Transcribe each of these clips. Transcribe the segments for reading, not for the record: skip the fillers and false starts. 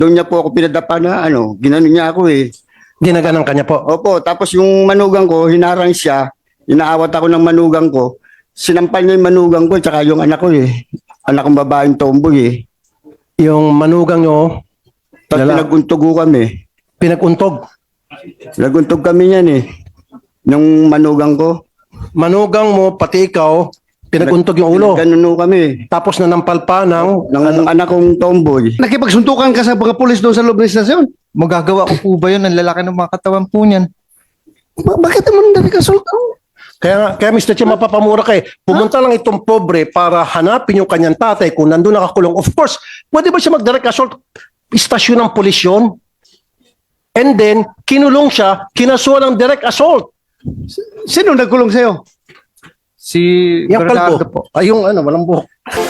Doon niya po ako pinadapa na ginano niya ako eh. Ginaganang kanya po. Opo, tapos yung manugang ko, hinarang siya, inaawat ako ng manugang ko, sinampal niya yung manugang ko, tsaka yung anak ko eh. Anak kong babaeng tomboy eh. Yung manugang nyo, Tapos Lala. pinaguntog ko kami. pinaguntog. Naguntog kami niyan eh. Nung manugang ko. Manugang mo, pati ikaw, pinaguntog yung ulo. Ganun kami. Tapos nanampal pa ng Ng anak kong tomboy. Nakipagsuntukan ka sa mga pulis doon sa loob ng istasyon. Magagawa ko po ba yun? Ang lalaki ng mga katawan po niyan. Bakit naman direct assault? Kaya Mr. Che, mapapamura kay. Pumunta lang itong pobre para hanapin yung kanyang tatay kung nandun nakakulong. Of course, pwede ba siya mag-direct assault? Istasyon ng pulis yun. And then, kinulong siya, kinasuhan ng direct assault. Sino nagkulong sa'yo? Si Yung Bernardo kalbo. po. Ay, yung walang buhok.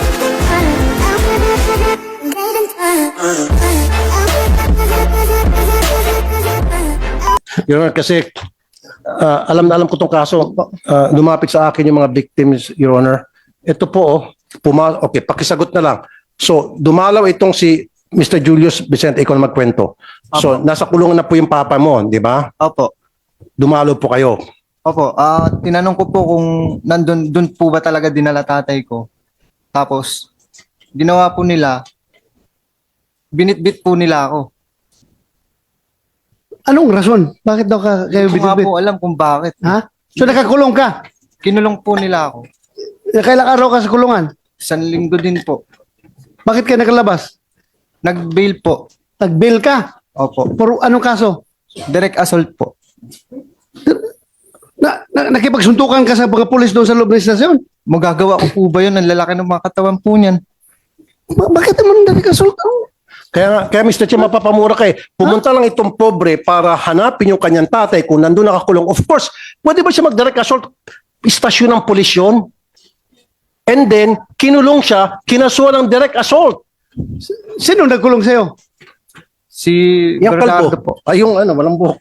Your Honor, kasi alam na alam ko tong kaso. Lumapit sa akin yung mga victims, Your Honor. Ito po, okay, pakisagot na lang. So, dumalaw itong si Mr. Julius Vicente, ikaw na magkwento. So, nasa kulungan na po yung papa mo, di ba? Opo. Dumalaw po kayo. Opo. Tinanong ko po kung dun po ba talaga dinala tatay ko. Tapos, ginawa po nila, binitbit po nila ako. Anong rason? Bakit daw kayo Hindi ko nga binibit? po alam kung bakit. Ha? So nakakulong ka? Kinulong po nila ako. Kailang araw ka sa kulungan? 1 linggo din po. Bakit ka nakalabas? Nag-bail po. Nag-bail ka? Opo. Por anong kaso? Direct assault po. Nakipagsuntukan ka sa mga pulis doon sa loob ng istasyon? Magagawa ko po ba yun? Ang lalaki ng mga katawan po niyan. Bakit naman direct assault? Kaya Mr. Che, mapapamura kay. Pumunta lang itong pobre para hanapin yung kanyang tatay kung nandun nakakulong. Of course, pwede ba siya mag-direct assault? Istasyon ng pulis yun. And then, kinulong siya, kinasuhan ng direct assault. Sino nagkulong sa'yo? Si Yung Bernardo kalbo. po. Ay, yung walang buhok.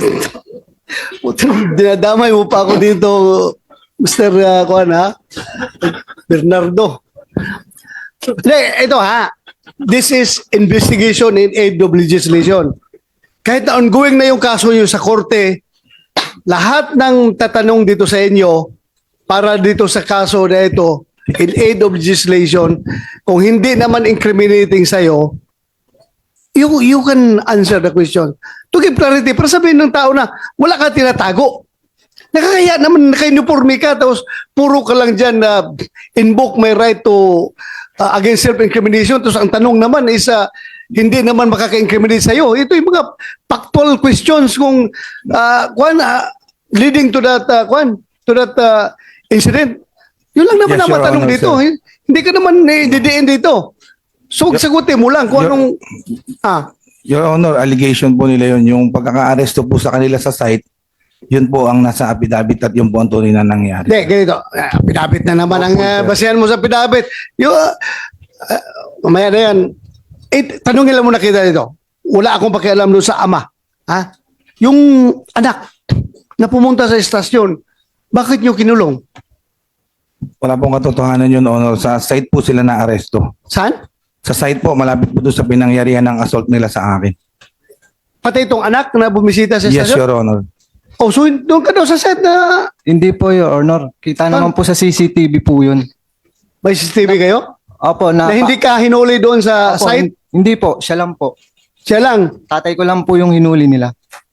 Dinadamay mo pa ako dito, Mr. Kuan, ha? Bernardo. Hindi, ito ha. This is investigation in aid of legislation. Kahit na ongoing na yung kaso nyo sa korte, lahat ng tatanong dito sa inyo para dito sa kaso na ito, in aid of legislation, kung hindi naman incriminating sa'yo, you can answer the question. To give clarity, para sabihin ng tao na wala ka tinatago. Nakakaya naman naka-uniforme ka, tapos puro ka lang dyan na invoke my right to against self-incrimination. Tapos ang tanong naman is hindi naman makaka-incriminate sa'yo. Ito yung mga factual questions kung leading to that incident. Yun lang naman Yes, ang Your matanong Honor, dito. sir. Hindi ka naman didiin dito. So, sagutin mo lang kung anong... Your Honor, allegation po nila yun. Yung pagkaka-aresto po sa kanila sa site, yun po ang nasa affidavit at yung po ang tunay na nangyari. Hindi, ganito. Pidabit na naman ang Opo, sir. basihan mo sa pidabit. Yung, mamaya na yan. Tanungin lang muna kita dito. Wala akong pakialam doon sa ama. Ha? Yung anak na pumunta sa estasyon, bakit nyo kinulong? Wala pong katotohanan yun, Honor. Sa site po sila na-aresto. Saan? Sa site po, malapit po doon sa pinangyarihan ng assault nila sa akin. Pati itong anak na bumisita sa Yes, estasyon? Your Honor. Oh, so doon ka daw sa set na Hindi po, Your Honor. Kita naman po sa CCTV po yun. may CCTV kayo? Opo, Na hindi ka hinuli doon sa Opo, site? Hindi po, siya lang po. Siya lang. Tatay ko lang po yung hinuli nila.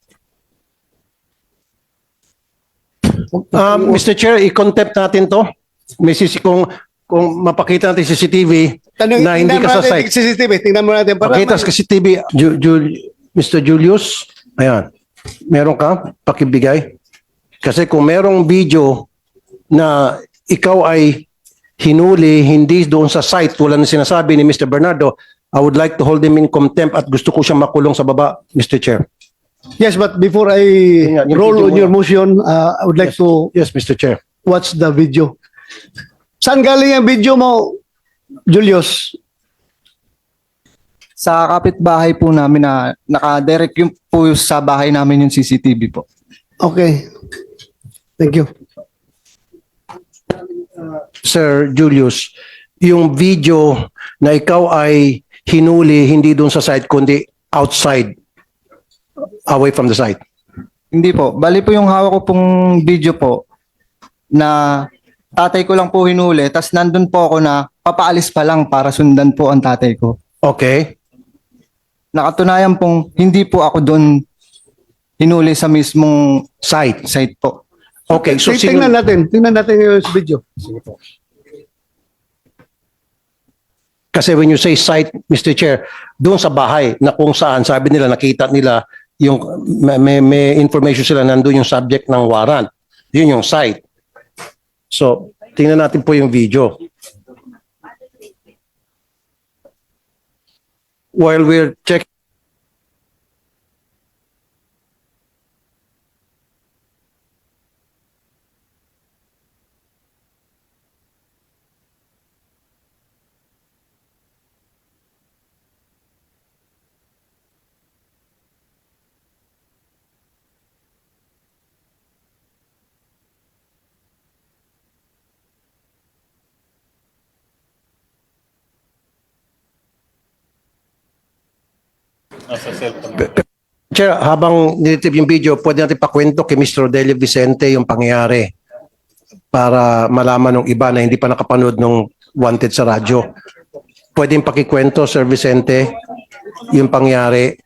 Mr. Chair, i-contempt natin to. May kung mapakita natin sa CCTV na hindi ka sa site. CCTV. Tingnan mo natin. Para Pakita sa CCTV, Mr. Julius, ayan, meron ka, pakibigay. Kasi kung merong video na ikaw ay hinuli, hindi doon sa site, tulad ng sinasabi ni Mr. Bernardo, I would like to hold him in contempt at gusto ko siyang makulong sa baba, Mr. Chair. Yes, but before I Yung roll video on mo your na. motion, I would like to Yes, Mr. Chair. watch the video. Saan galing ang video mo, Julius? Sa kapitbahay po namin na naka-direct yung po sa bahay namin yung CCTV po. Okay. Thank you. Sir Julius, yung video na ikaw ay hinuli hindi doon sa site kundi outside, away from the site. Hindi po. Bali po yung hawak ko pong video po na tatay ko lang po hinuli, tas nandun po ako na papaalis pa lang para sundan po ang tatay ko. Okay? Nakatunayan pong hindi po ako doon hinuli sa mismong site po. Okay, so Tingnan natin yung video. kasi when you say site, Mr. Chair, doon sa bahay na kung saan sabi nila nakita nila yung may information sila nandoon yung subject ng warrant. Yun yung site. So, tingnan natin po yung video. While we're checking Chair, habang nilitip yung video, pwede natin pakwento kay Mr. Rodelio Vicente yung pangyayari para malaman ng iba na hindi pa nakapanood ng Wanted sa radyo. Pwede yung pakikwento, Sir Vicente, yung pangyayari.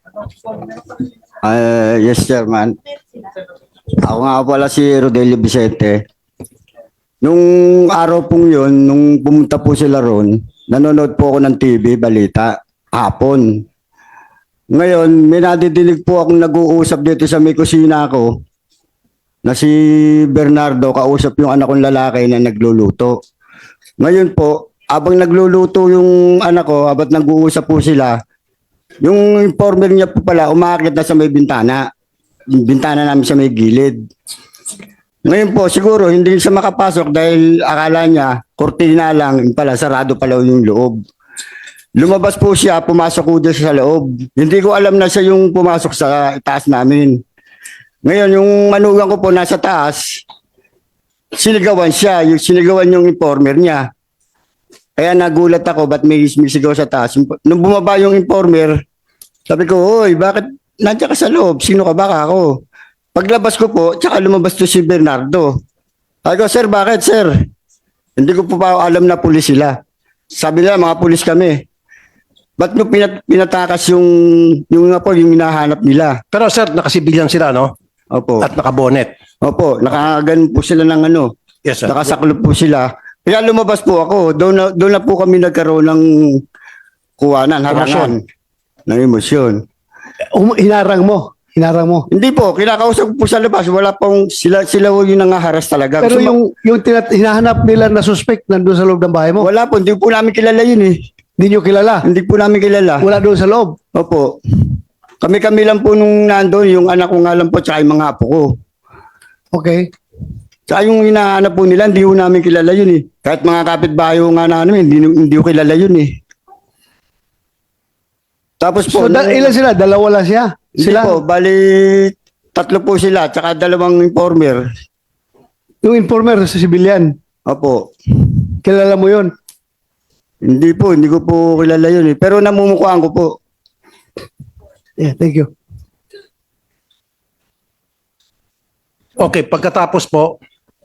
Yes, Chairman. Ako nga pala si Rodelio Vicente. Nung araw pong yun, nung pumunta po sila ron, nanonood po ako ng TV, balita, hapon. Ngayon, may nadidinig po akong nag-uusap dito sa may kusina ko na si Bernardo, kausap yung anak kong lalaki na nagluluto. Ngayon po, abang nagluluto yung anak ko, abang nag-uusap po sila, yung informer niya po pala, umakit na sa may bintana. Yung bintana namin sa may gilid. Ngayon po, siguro hindi siya makapasok dahil akala niya, kortina lang, yun pala, sarado pala yung loob. Lumabas po siya, pumasok po siya sa loob. Hindi ko alam na siya yung pumasok sa taas namin. Ngayon, yung manugang ko po nasa taas, sinigawan siya, sinigawan yung informer niya. Kaya nagulat ako, ba't may sigaw sa taas? Nung bumaba yung informer, sabi ko, "Hoy, bakit nandiyan ka sa loob? Sino ka ba ako?" Paglabas ko po, tsaka lumabas to si Bernardo. Sabi ko, "Sir, bakit, sir?" Hindi ko po pa alam na pulis sila. Sabi nila, mga pulis kami. Ba't nyo pinatakas yung nga po, yung hinahanap nila? Pero sir, nakasibilyan sila, no? Opo. At nakabonet. Opo, nakagan po sila ng ano. Yes, sir. Nakasaklop po sila. Kaya lumabas po ako. Doon na po kami nagkaroon ng kuwanan, harangan, ng emosyon. Hinarang mo. Hindi po, kinakausap ko po sa labas. Wala pong sila yung nangaharas talaga. Pero Gusto yung hinahanap nila na suspect nandun sa loob ng bahay mo, wala po, hindi po namin kilala yun eh. hindi nyo kilala. Hindi po namin kilala. Wala doon sa loob. Opo. Kami lang po nung nandoon, yung anak ko nga lang po, tsaka yung mga apo ko. Okay. Tsaka yung hinahanap po nila, hindi po namin kilala yun eh. Kahit mga kapitbahay ko nga namin, hindi ko kilala yun eh. Tapos po, Ilan sila? Dalawa lang siya? Hindi Sila? po, bali tatlo po sila, tsaka dalawang informer. Yung informer sa civilian. Opo. Kilala mo yun? Hindi po, hindi ko po kilala yun eh. Pero namumukhaan ko po. Yeah, thank you. Okay, pagkatapos po,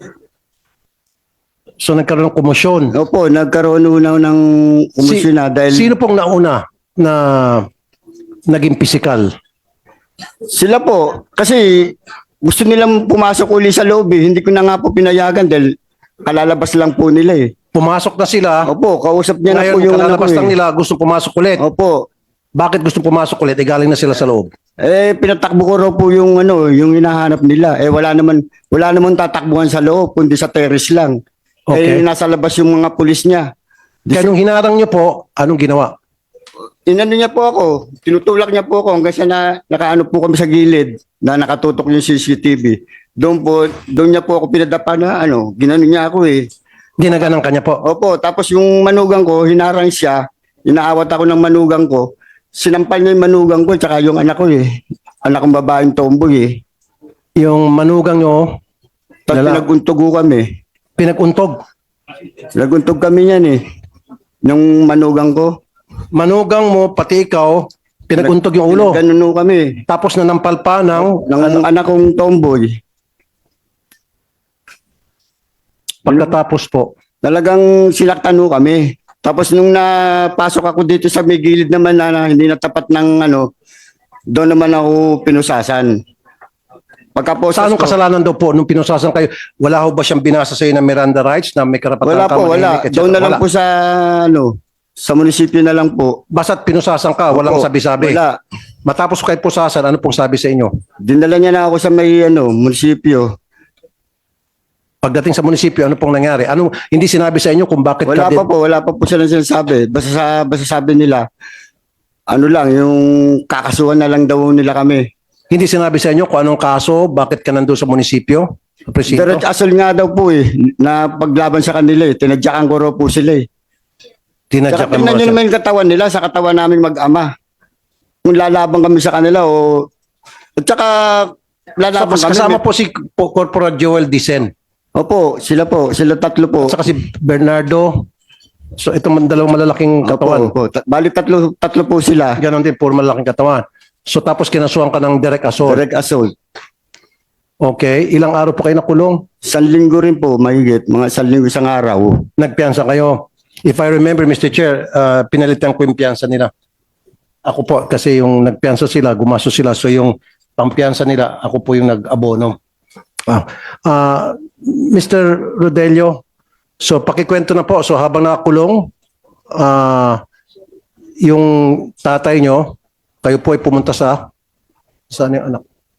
so nagkaroon ng komosyon. Opo, nagkaroon una ng komisyon na dahil Sino pong nauna na naging physical? sila po, kasi gusto nilang pumasok uli sa loob eh. Hindi ko na nga po pinayagan dahil kalalabas lang po nila eh. Pumasok na sila. Opo, kausap niya na Ngayon, po yung ano ko kalalabas lang eh. nila, gusto pumasok ulit. Opo. Bakit gusto pumasok ulit? Eh, galing na sila sa loob. Pinatakbo ko raw po yung ano, yung hinahanap nila. Wala naman tatakbuhan sa loob, kundi sa terrace lang. Okay. Nasa labas yung mga pulis niya. Kaya nung hinarang niyo po, anong ginawa? Inano niya po ako, tinutulak niya po ako hanggang sa nakaano po kami sa gilid na nakatutok yung CCTV. Doon niya po ako pinadapa na ano, ginano niya ako eh. Ginaganang kanya po. Opo, tapos yung manugang ko, hinarang siya, inaawat ako ng manugang ko, sinampal niya yung manugang ko, tsaka yung anak ko eh. Anak kong babaeng tomboy eh. Yung manugang nyo, Tapos pinaguntog ko kami. pinaguntog. Naguntog kami niyan eh. Nung manugang ko. manugang mo, pati ikaw, pinaguntog yung ulo. Ganun kami. Tapos nanampal pa ng Ng anak kong tomboy. pagkatapos po. Talagang sinaktan ho kami. Tapos nung napasok ako dito sa may gilid naman na hindi natapat ng ano, doon naman ako pinusasan. Pagkaposas Sa anong ko, kasalanan daw po nung pinusasan kayo? Wala ho ba siyang binasa sa iyo ng Miranda rights na may karapatan wala ka po, wala. manahimik, etc.? Doon na lang Wala. po sa ano, sa munisipyo na lang po. Basta't pinusasan ka, walang Opo, sabi-sabi. Wala. Matapos kayo pusasan, ano pong sabi sa inyo? Dinala niya na ako sa may ano, munisipyo. Pagdating sa munisipyo, ano pong nangyari? Ano, hindi sinabi sa inyo kung bakit Wala ka wala pa po silang sinasabi. Basta sabi nila, ano lang, yung kakasuhan na lang daw nila kami. Hindi sinabi sa inyo kung anong kaso, bakit ka nandun sa munisipyo? Sa presinto? Diretso asol nga daw po na paglaban sa kanila tinadyakan ko raw po sila Tinadyak Saka ka tingnan mo nyo siya. naman yung katawan nila sa katawan namin mag-ama. Kung lalaban kami sa kanila o... At saka lalaban kami. Kasama po si Corporal Joel Dicen. Opo, sila tatlo po. At saka si Bernardo. So itong dalawang malalaking katawan. Opo. Bali tatlo po sila. Ganon din, puro malalaking katawan. So tapos kinasuhan ka ng direct assault. Direct assault. Okay. Ilang araw po kayo nakulong? 1 linggo rin po, mahigit. Mga 1 linggo isang araw. Nagpiyansa kayo. If I remember, Mr. Chair, pinalitan ko yung piyansa nila. Ako po, kasi yung nagpiyansa sila, gumasto sila. So yung pampiyansa nila, ako po yung nag-abono. Mr. Rodelio, so pakikwento na po. So habang nakakulong, yung tatay nyo, kayo po ay pumunta sa saan yung anak?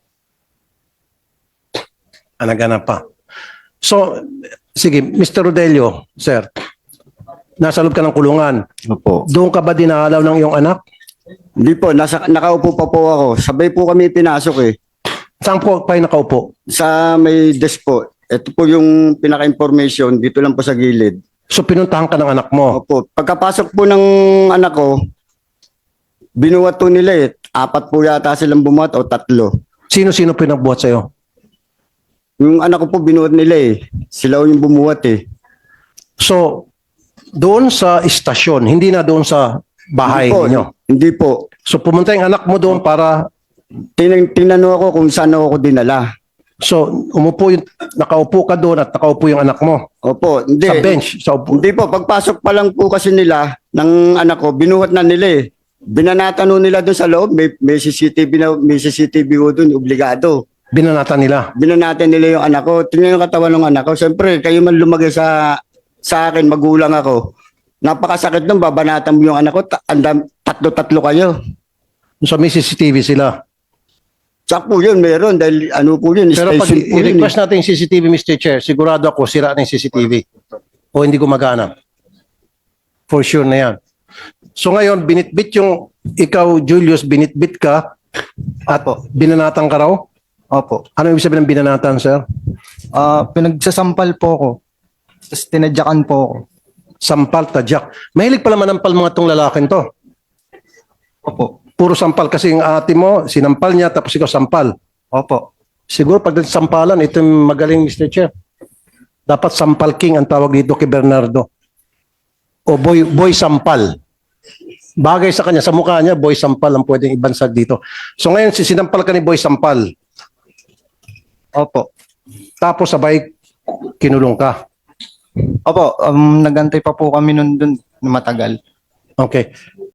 Anak pa. So, sige, Mr. Rodelio, sir, nasa loob ka ng kulungan. Opo. Doon ka ba dinalaw ng iyong anak? Hindi po, nakaupo pa po ako. Sabay po kami pinasok Saan po kayo nakaupo? Sa may desk po. Ito po yung pinaka-information. Dito lang po sa gilid. So pinuntahan ka ng anak mo. Opo. Pagkapasok po ng anak ko, binuhat po nila 4 po yata silang bumuhat o 3. Sino-sino pinagbuhat sa'yo? Yung anak ko po binuhat nila Sila yung bumuhat So, doon sa istasyon, hindi na doon sa bahay Hindi po, ninyo. Hindi po. So pumunta yung anak mo doon para, Tinanong ako kung saan ako dinala. so nakaupo ka doon at nakaupo yung anak mo Opo. Hindi. sa bench. Sa upo. Hindi po. Pagpasok pa lang po kasi nila ng anak ko, binuhat na nila Binanatan nun nila doon sa loob. May CCTV ko doon. Obligado. Binanatan nila. Binanatan nila yung anak ko. Tingnan yung katawan ng anak ko. Siyempre, kayo man lumagay sa akin, magulang ako. Napakasakit nung babanatan mo yung anak ko. Tatlo kayo. So may CCTV sila. Tsak po yun, meron. Dahil ano po yun, Pero pag station po yun. i-request natin yung CCTV, Mr. Chair, sigurado ako sira na yung CCTV. O hindi gumagana. For sure na yan. So ngayon, binitbit yung, ikaw, Julius, binitbit ka at binanatan ka raw? Opo. Ano ibig sabihin ng binanatan, sir? Pinagsasampal po ako. Tapos tinadyakan po ako. Sampal, tadyak. Mahilig pala manampal mga tong lalaking to. Opo. Puro sampal kasi yung ate mo, sinampal niya tapos ikaw sampal. Opo. Siguro pag sampalan, ito yung magaling, Mr. Chair. Dapat sampal king ang tawag dito kay Bernardo. O boy sampal. Bagay sa kanya, sa mukha niya, boy sampal ang pwedeng ibansag dito. So ngayon, sinampal ka ni boy sampal. Opo. Tapos sabay, kinulong ka. Opo, nagantay pa po kami nun dun na matagal. Okay.